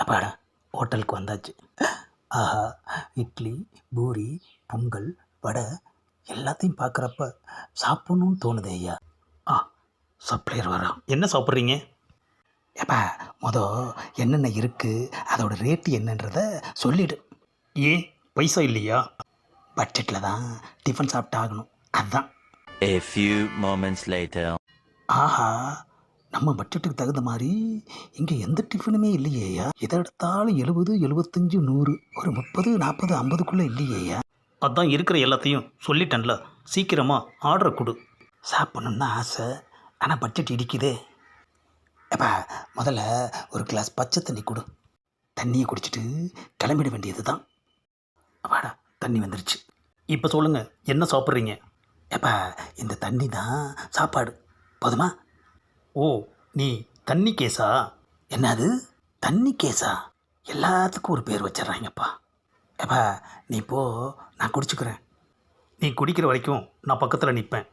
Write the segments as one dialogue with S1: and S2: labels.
S1: அப்பாடா, ஹோட்டலுக்கு வந்தாச்சு. ஆஹா, இட்லி, பூரி, பொங்கல், வடை எல்லாத்தையும் பார்க்குறப்ப சாப்பிட்ணுன்னு தோணுதே ஐயா. ஆ, சப்ளையர் வரா. என்ன சாப்பிட்றீங்க? ஏப்பா, என்னென்ன இருக்குது, அதோட ரேட்டு என்னன்றத சொல்லிவிடு. ஏன் பைசா இல்லையா? பட்ஜெட்டில் தான் டிஃபன் சாப்பிட்டாகணும், அதுதான்.
S2: A few moments later.
S1: ஆஹா, நம்ம பட்ஜெட்டுக்கு தகுந்த மாதிரி இங்கே எந்த டிஃபனுமே இல்லையேயா. எதை எடுத்தாலும் 70, 75, 100, ஒரு 30, 40, 50க்குள்ளே இல்லையேயா. அதான் இருக்கிற எல்லாத்தையும் சொல்லிட்டேன்ல, சீக்கிரமாக ஆர்டரை கொடு. சாப்பிட்ணுன்னு ஆசை, ஆனால் பட்ஜெட் இடிக்குதே. ஏப்பா, முதல்ல ஒரு கிளாஸ் பச்சை தண்ணி கொடு. தண்ணியை குடிச்சிட்டு கிளம்பிட வேண்டியது தான். அப்பாடா, தண்ணி வந்துருச்சு. இப்போ சொல்லுங்கள், என்ன சாப்பிட்றீங்க? ஏப்பா, இந்த தண்ணி தான் சாப்பாடு, போதுமா? ஓ, நீ தண்ணி கேஸா? என்னது தண்ணி கேஸா? எல்லாத்துக்கும் ஒரு பேர் வச்சிட்றாங்கப்பா. ஏப்பா, நீ போ, நான் குடிச்சுக்கிறேன். நீ குடிக்கிற வரைக்கும் நான் பக்கத்தில் நிற்பேன்.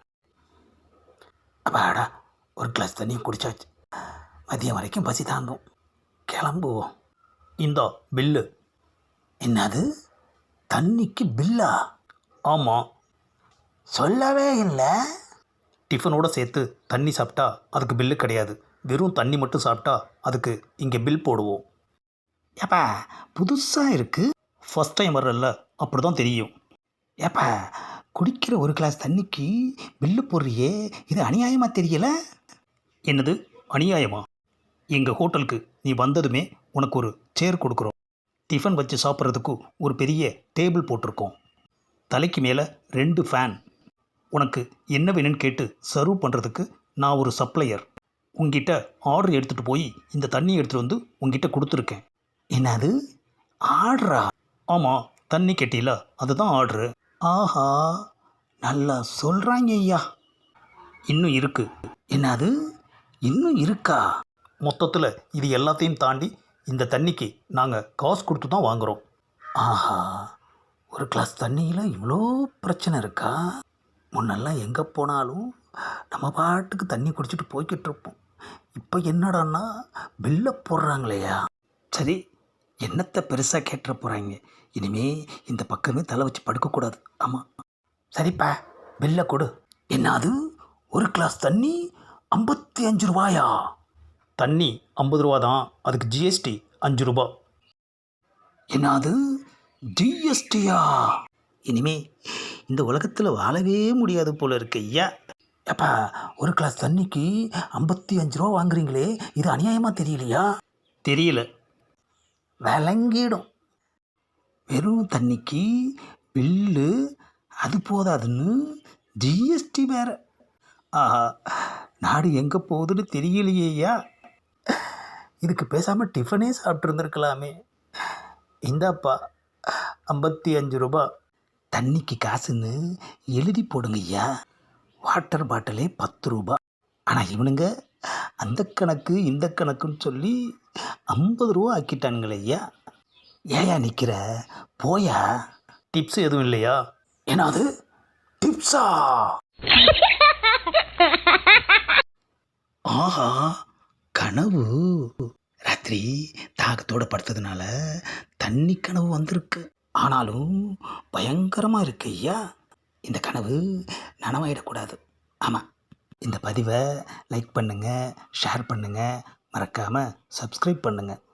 S1: அப்பாடா, ஒரு கிளாஸ் தண்ணியும் குடிச்சாச்சு. மதியம் வரைக்கும் பசி தாங்கும். கிளம்புவோம். இந்தா பில்லு. என்னது, தண்ணிக்கு பில்லா? ஆமாம். சொல்லவே இல்லை. டிஃபனோடு சேர்த்து தண்ணி சாப்பிட்டா அதுக்கு பில்லு கிடையாது. வெறும் தண்ணி மட்டும் சாப்பிட்டா அதுக்கு இங்கே பில் போடுவோம். ஏப்பா, புதுசாக இருக்குது. ஃபஸ்ட் டைம் வர்றல்ல, அப்படி தான் தெரியும். ஏப்பா, குடிக்கிற ஒரு கிளாஸ் தண்ணிக்கு பில்லு போடுறியே, இது அநியாயமாக தெரியல. என்னது அநியாயமா? எங்கள் ஹோட்டலுக்கு நீ வந்ததுமே உனக்கு ஒரு சேர் கொடுக்குறோம். டிஃபன் வச்சு சாப்பிட்றதுக்கு ஒரு பெரிய டேபிள் போட்டிருக்கோம். தலைக்கு மேலே 2 ஃபேன். உனக்கு என்ன வேணும்னு கேட்டு சர்வ் பண்ணுறதுக்கு நான் ஒரு சப்ளையர். உங்ககிட்ட ஆர்டர் எடுத்துகிட்டு போய் இந்த தண்ணியை எடுத்துகிட்டு வந்து உங்ககிட்ட கொடுத்துருக்கேன். என்னது ஆர்டரா? ஆமாம், தண்ணி கேட்டில, அதுதான் ஆர்டரு. ஆஹா, நல்லா சொல்கிறாங்க ஐயா. இன்னும் இருக்குது. என்னது இன்னும் இருக்கா? மொத்தத்தில் இது எல்லாத்தையும் தாண்டி இந்த தண்ணிக்கு நாங்கள் காசு கொடுத்து தான் வாங்குகிறோம். ஆஹா, ஒரு கிளாஸ் தண்ணியில் இவ்வளோ பிரச்சனை இருக்கா? முன்னெல்லாம் எங்கே போனாலும் நம்ம பாட்டுக்கு தண்ணி குடிச்சிட்டு போய்கிட்டு இருப்போம். இப்போ என்னடான்னா பில்லை போடுறாங்களேயா. சரி, என்னத்தை பெருசாக கேட்டுற போகிறாங்க. இனிமே இந்த பக்கமே தலை வச்சு படுக்கக்கூடாது. ஆமாம், சரிப்பா, பில்லை கொடு. என்னது, ஒரு கிளாஸ் தண்ணி 55 ரூபாயா? தண்ணி 50 ரூபா தான், அதுக்கு ஜிஎஸ்டி 5 ரூபா. என்னது ஜிஎஸ்டியா? இனிமே இந்த உலகத்தில் வாழவே முடியாது போல இருக்கு ஐயா. அப்பா, ஒரு கிளாஸ் தண்ணிக்கு 55 ரூபா வாங்குறீங்களே, இது அநியாயமாக தெரியலையா? தெரியல, விளங்கிடும். வெறும் தண்ணிக்கு பில்லு, அது போதாதுன்னு ஜிஎஸ்டி வேறு. ஆஹா, நாடு எங்கே போகுதுன்னு தெரியலையேயா. இதுக்கு பேசாமல் டிஃபனே சாப்பிட்ருந்துருக்கலாமே. இந்தாப்பா 55 ரூபா. தண்ணிக்கு காசுன்னு எழுதி போடுங்க ஐயா. வாட்டர் பாட்டிலே 10 ரூபா. ஆனால் இவனுங்க அந்த கணக்கு இந்த கணக்குன்னு சொல்லி 50 ரூபா ஆக்கிட்டானுங்களே ஐயா. ஏயா நிற்கிற, போயா. டிப்ஸ் எதுவும் இல்லையா? என்னது டிப்ஸா? ஆஹா, கனவு. ராத்திரி தாகத்தோடு படுத்ததுனால தண்ணி கனவு வந்திருக்கு. ஆனாலும் பயங்கரமாக இருக்கு ஐயா. இந்த கனவு நனவாயிடக்கூடாது. ஆமாம், இந்த பதிவை லைக் பண்ணுங்கள், ஷேர் பண்ணுங்கள், மறக்காமல் சப்ஸ்கிரைப் பண்ணுங்கள்.